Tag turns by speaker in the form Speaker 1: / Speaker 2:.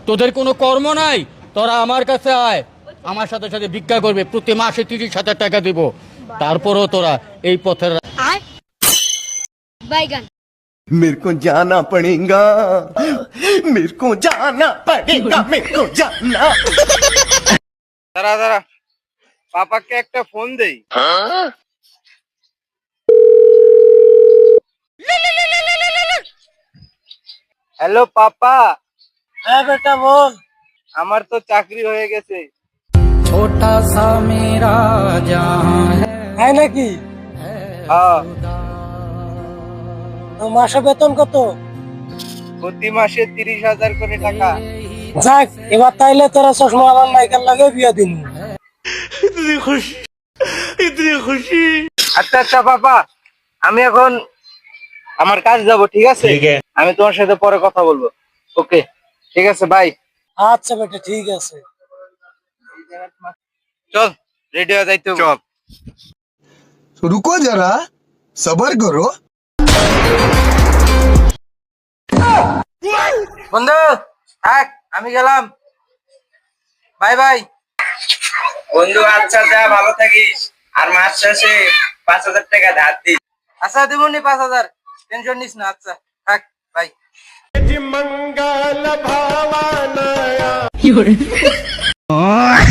Speaker 1: তোদের কোনো কর্ম নাই, তোরা আমার কাছে আয়, আমার সাথে সাথে ভিক্ষা করবে, প্রতি মাসে 30,000 টাকা দিব। তারপরও তোরা এই পথের
Speaker 2: বাইগান।
Speaker 3: मेरे को जाना पड़ेगा, मेरे को जाना पड़ेगा, मेरे को जाना।
Speaker 4: দাঁড়া দাঁড়া, পাপাকে একটা ফোন দেই। Hello papa.
Speaker 5: হ্যাঁ বেটা বল।
Speaker 4: আমার তো চাকরি হয়ে গেছে।
Speaker 1: ছোটা সা মেরা জাহান
Speaker 5: হ্যাঁ নাকি?
Speaker 4: হ্যাঁ,
Speaker 5: তো মাসে বেতন কত?
Speaker 4: প্রতি মাসে 30,000 করে টাকা।
Speaker 5: যাক, এবার তাইলে তোরা চশমা আমার নাইকার লাগে বিয়া দিন।
Speaker 4: আচ্ছা আচ্ছা পাপা, আমি এখন আমার কাজ যাব, ঠিক আছে? আমি তোমার সাথে পরে কথা বলবো। ওকে, ঠিক আছে, বাই।
Speaker 5: আচ্ছা বেটা, ঠিক আছে।
Speaker 4: চল, রেডি হয়ে যাইতে হবে। চল।
Speaker 3: रुको जरा, सबर करो।
Speaker 4: বন্ধু থাক, আমি গেলাম, বাই বাই। বন্ধু আচ্ছা, যা, ভালো থাকিস, আর মাস শেষে 5,000 টাকা ধার দিস। আচ্ছা দিবনি 5,000, টেনশন নিস না। আচ্ছা থাক, বাই।
Speaker 1: मंगल भावना